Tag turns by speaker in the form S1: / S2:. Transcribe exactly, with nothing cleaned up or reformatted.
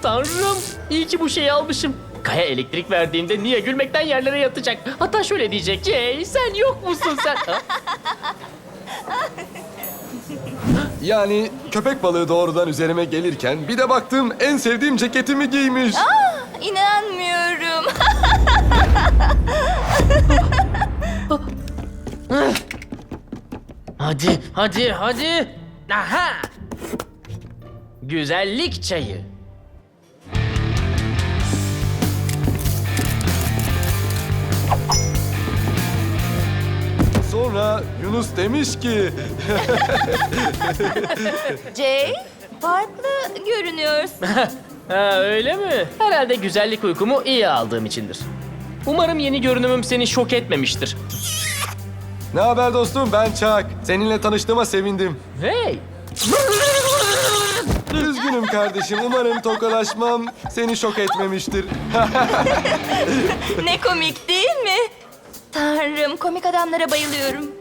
S1: Tanrım, iyi ki bu şeyi almışım. Kaya elektrik verdiğinde Nia gülmekten yerlere yatacak. Hatta şöyle diyecek: Jay, sen yok musun sen? Ha?
S2: Yani köpek balığı doğrudan üzerime gelirken bir de baktım en sevdiğim ceketimi giymiş.
S3: İnanmıyorum.
S1: Hadi, hadi, hadi. Aha! Güzellik çayı.
S2: Sonra Yunus demiş ki...
S3: Jay, farklı görünüyorsun.
S1: Ha, öyle mi? Herhalde güzellik uykumu iyi aldığım içindir. Umarım yeni görünümüm seni şok etmemiştir.
S2: Ne haber dostum, ben Çak. Seninle tanıştığıma sevindim.
S1: Hey!
S2: Üzgünüm kardeşim, umarım tokalaşmam seni şok etmemiştir.
S3: Ne komik değil mi? Tanrım, komik adamlara bayılıyorum.